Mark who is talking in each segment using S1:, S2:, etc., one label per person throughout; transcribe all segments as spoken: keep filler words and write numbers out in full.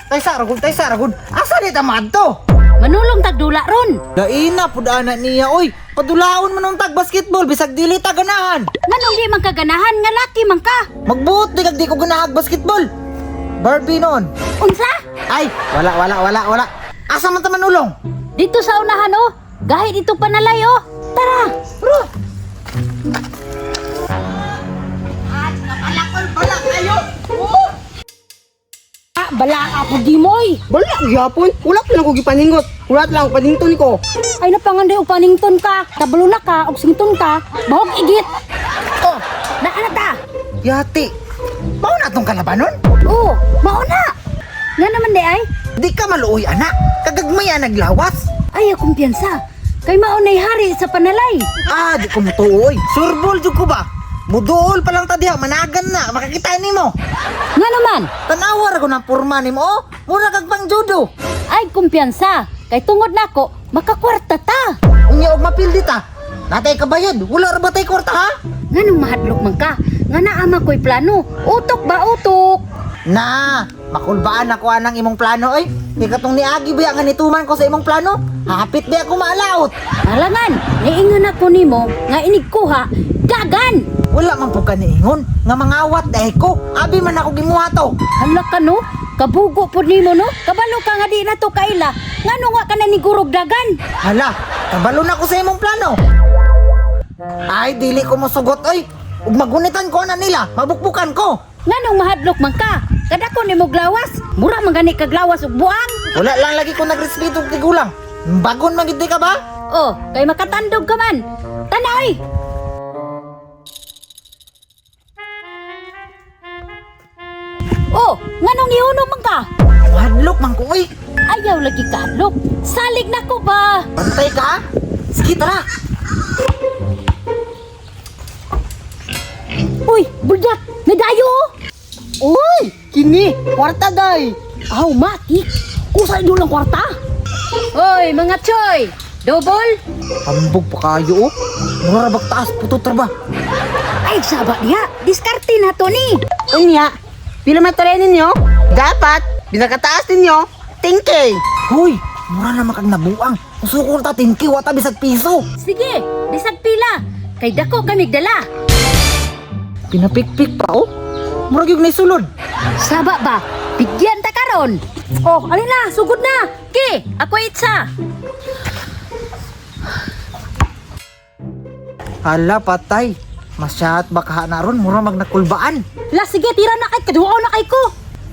S1: Tay saragod, tay saragod. Asa di tamad to?
S2: Manulong tagdula ron.
S1: Laina pud ana niya oy. Padulaon man ang tag basketball bisag dili ta ganahan.
S2: Nganong di man kaganahan nga laki man ka?
S1: Magbuot di kag di ko ganahag basketball. Barbie noon.
S2: Unsa?
S1: Ay, wala wala wala wala. Asa man ta manulong?
S2: Dito sa unahan oh. Gahit dito panalay oh. Tara. Bro.
S1: Alakol bala kayo. Oh.
S2: Ah, bala ako di moy.
S3: Bala, gyapon. Wala pa lang ko gipaningot. Wala lang panington ko.
S2: Ay napanganday og panington ka. Kabalo na ka og sington ka. Bahog igit. Oh, naa na ta.
S1: Yati. Mao na tong kalabanon?
S2: Oh, mao na. Nga naman di ay.
S1: Di ka maluoy anak. Kagagmaya naglawas.
S2: Ay, kumpiyansa. Kay maunay hari sa panalay.
S1: Ah, di ko mutuoy. Surbol jud ko ba? Muduol pa lang ta diha, managan na, makakita nimo.
S2: Nga naman.
S1: Tanawar ko ng purma nimo. Oh, mura kag pang judo.
S2: Ay, kumpiyansa. Kay tungod nako, makakwarta ta.
S1: Unya og mapildi ta. Natay kabayad, wala ra ba tay kwarta ha?
S2: Nganong mahadlok man ka? Nga naama ko'y plano. Utok ba utok?
S1: Na, makulbaan ako anang imong plano oy. Di katong niagi ba nga nituman ko sa imong plano? Hapit ba ako maalaot?
S2: Alangan, niingon ako nimo nga inig kuha, dagan.
S1: Wala man po ka niingon, nga mangawat dahil ko. Abi man ako gimuha to.
S2: Hala ka no, kabugo po nimo no? Kabalo ka nga di na to kaila. Ngano nga ka na ni gurog dagan?
S1: Hala, kabalo na ko sa imong plano. Ay, dili ko mosugot oy. Ug magunitan ko na nila, mabukbukan ko.
S2: Nganong mahadlok man ka? Kada ko nimo glawas, mura man gani kag lawas ug buang.
S1: Wala lang lagi ko nagrespeto og tigulang. Bagon man gid ka ba?
S2: Oh, kay makatandog ka man. Tanay! Oh, nganong nihunom man ka?
S1: Hadlok man ko oy.
S2: Ayaw lagi ka hadlok. Salig na ko ba?
S1: Bantay ka? Ha? Sige tara.
S2: Uy, buldak! Medayo!
S3: Uy, kini, kwarta day.
S2: Aw, matik! Kusay doon lang kwarta! Hoy, mga choy! Double?
S1: Hambog pa kayo oh. Mura bag taas putot ra ba?
S2: Ay, saba diya! Diskarte na to ni!
S3: Unya, pila matare ninyo? Dapat, binakataas ninyo, ten K.
S1: Hoy, mura na makag nabuang. Usukol ta ten K wata bisag piso.
S2: Sige, bisag pila! Kay dako kami dala!
S1: Pinapikpik pa oh. Mura gyud na sulod.
S2: Saba ba? Bigyan ta karon! Oh, alin na! Sugod na! Ki! Ako itsa!
S1: Hala patay. Masyat baka na ron mura magnakulbaan.
S2: La, sige, tira na kay kaduaw na kay ko!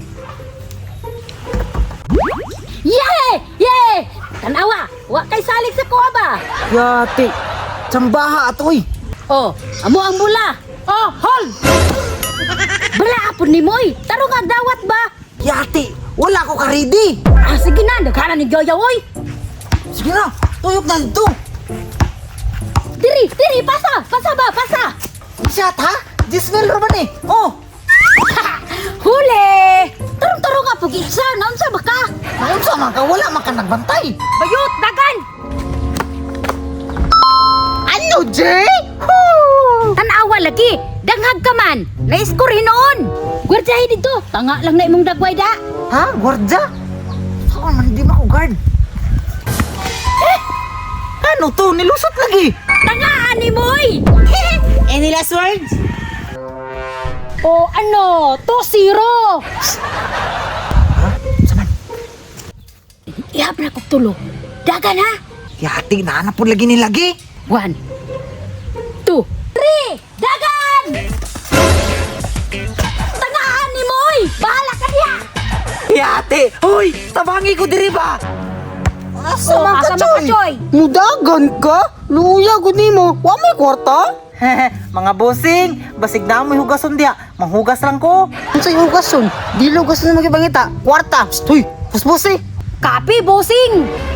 S2: Yay! Yay! Tanawa! Wa kay salig sa kuha ba?
S1: Yati. Tsambaha atoy.
S2: Oh, amo ang bula! Oh, hold! Bala apon ni Moy! Tarong ang dawat ba?
S1: Yati, wala ko ka ready.
S2: Ah, sige na! Nagkana ni Joya, oy!
S1: Sige na, tuyok na dito.
S2: Diri! Diri! Pasa! Pasa ba? Pasa!
S1: Masyat ha? Dismel ra ba ni? Oh,
S2: Huli! Tarong-tarong nga pag-isa! Naunsa ba ka?
S1: naunsa man ka wala man ka nagbantay.
S2: Bayot! Dagan!
S1: Ano, Jay?
S2: Tanawa lagi! Danghag ka man! Naiskor hinoon! Gwardiyahin dito! Tanga lang na imong dagway da!
S1: Ha? Gwardya? Saan man hindi mako-guard? Eh, ano to? Nilusot lagi.
S2: Tangaan ni Moy!
S3: Any last words?
S2: O ano? To zero!
S1: Ha? Saman?
S2: Ihap na kong tulo. Dagan ha!
S1: Yati, nahanap po lagi ni lagi.
S2: One, two, three! Dagan! Tangaan ni Moy! Bahala ka diya!
S1: Yati! Hoy! Tabangi ko diri ba? Asa
S2: O,
S1: man ka,
S2: asa man ka,
S1: Choy?
S2: Choy?
S3: Mudagan ka? Luya gud nimo. Wa may kwarta?
S1: Mga bossing, basig na mo hugason diha. Manghugas lang ko.
S3: Unsay hugason? Dilo hugason na magibangita. Kwarta. Stoy, puspusi.
S2: Kapi, bossing!